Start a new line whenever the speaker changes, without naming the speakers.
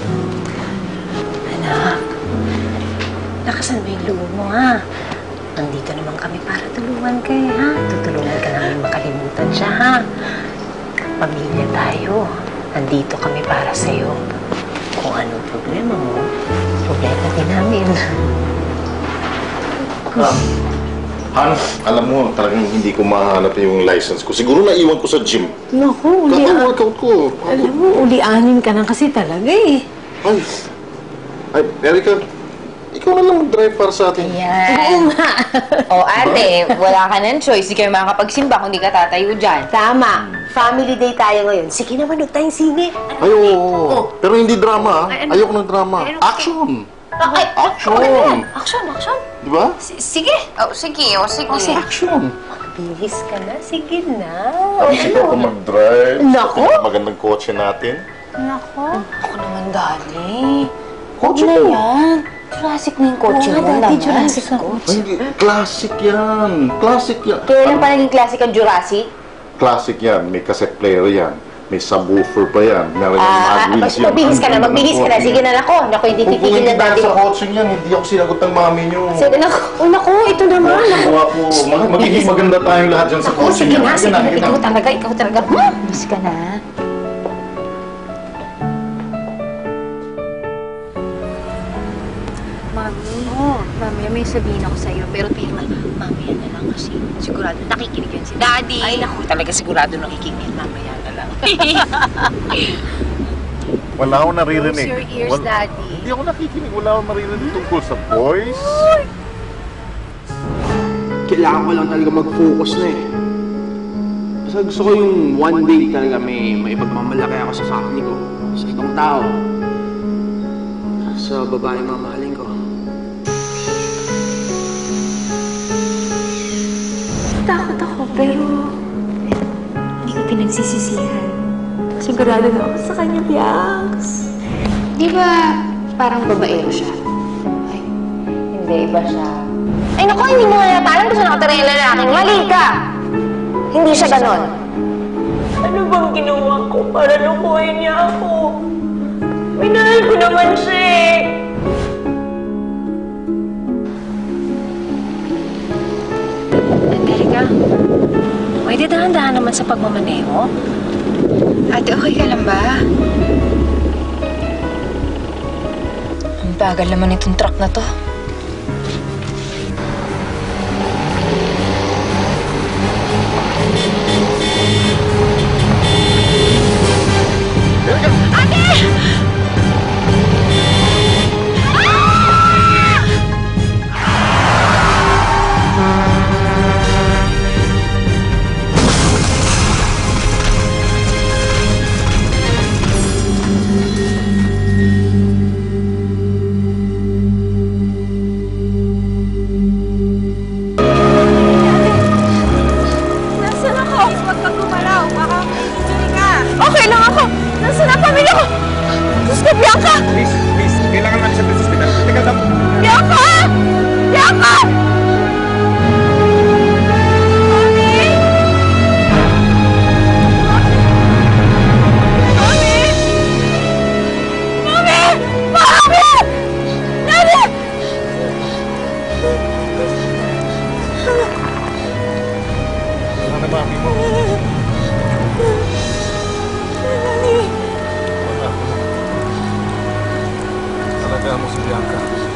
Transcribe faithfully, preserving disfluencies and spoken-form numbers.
Anak, lakasan mo yung loob mo, ha? Nandito naman kami para tulungan kayo, ha? Tutulungan ka namin makalimutan siya, ha? Pamilya tayo. Nandito kami para sa'yo. Kung anong problema mo, problema din namin.
Um, Han, alam mo, talagang hindi ko mahanap yung license ko. Siguro naiwan ko sa gym.
Naku, uli...
Kaka-workout ko.
Alam mo, uli-anin ka na kasi talaga, eh.
Ay, ay, Erica, ikaw na lang mag-drive para sa atin.
Yan. O ate, wala ka ng choice. Hindi kayo makakapagsimba kung di ka tatayo dyan.
Tama. Family day tayo ngayon. Sige naman, huwag tayong sine.
Ay, oo. Pero hindi drama, ha? Ayoko ng drama. Action!
Ay,
Action!
Action, action.
Di ba?
Sige. Oh, sige, oh, sige.
Kasi action!
Bilis ka na. Sige na.
Sige ako mag-drive.
Naku!
Sa magandang kotse natin.
Nako. Ako naman, dali.
Kotse
na
ko.
yan. Classic na yung kotse mo naman.
Jurassic ka.
Ay, hindi. Classic yan. Classic yan.
Kailan pa naging classic ang Jurassic?
Classic yan. May cassette player yan. May subwoofer pa yan. Meron yung
Ah,
mag wheels yan.
magbihis ka na, magbihis ka na. Sige na, nako. Naku, hindi titigil na daddy
sa
mo.
kotse yan, hindi ako sinagot ng mami nyo.
Sige, naku.
Oh, naku, ito naman. Naku.
Gawa po. Mag- Magiging maganda tayong lahat dyan sa
Naku,
kotse
sige
niya.
na, sige na.
Sige
Ikaw talaga, ikaw talaga. Hmm?
Mas ka na.
Mami, oh. Mami, may sabihin ako sa'yo, pero tingnan, mamaya na lang kasi sigurado nakikinig yan si Daddy.
Ay, naku, talaga sigurado nakikinig. Mamaya na lang.
Wala akong naririnig.
Close your ears,
Wal-
Daddy.
Hindi ako nakikinig. Wala akong maririnig tungkol sa boys.
Kailangan ko lang talaga mag-focus na eh. Kasi gusto ko yung one day talaga may, may ipagmamalaki ako sa family ko, sa itong tao, sa babae mamahalin ko.
Takot ako, pero hindi ko pinagsisisihan. Sigurado na ako sa kanya, Bianx.
Di ba parang babaero siya? Ay, hindi. Iba siya. Ay, naku, hindi mo nga parang gusto nakatira yung lalaking. Mali ka! Hindi siya ganon.
Ano bang ginawa ko para lukuhin niya ako? Minahal ko naman siya eh.
Angelica, may dahan-dahan naman sa pagmamaneho. Ate, okay ka lang ba?
Ang bagal naman itong truck na to.
Nasaan ako? Huwag kang gumalaw. Baka may injury ka.
Okay lang ako. Nasaan ang pamilya ko? Diyos ko, Bianca!
Please, please, kailangan natin siya sa hospital. Teka lang.
Bianca! Bianca!
Wala na mami mo. Wala. Talaga mo si Bianca.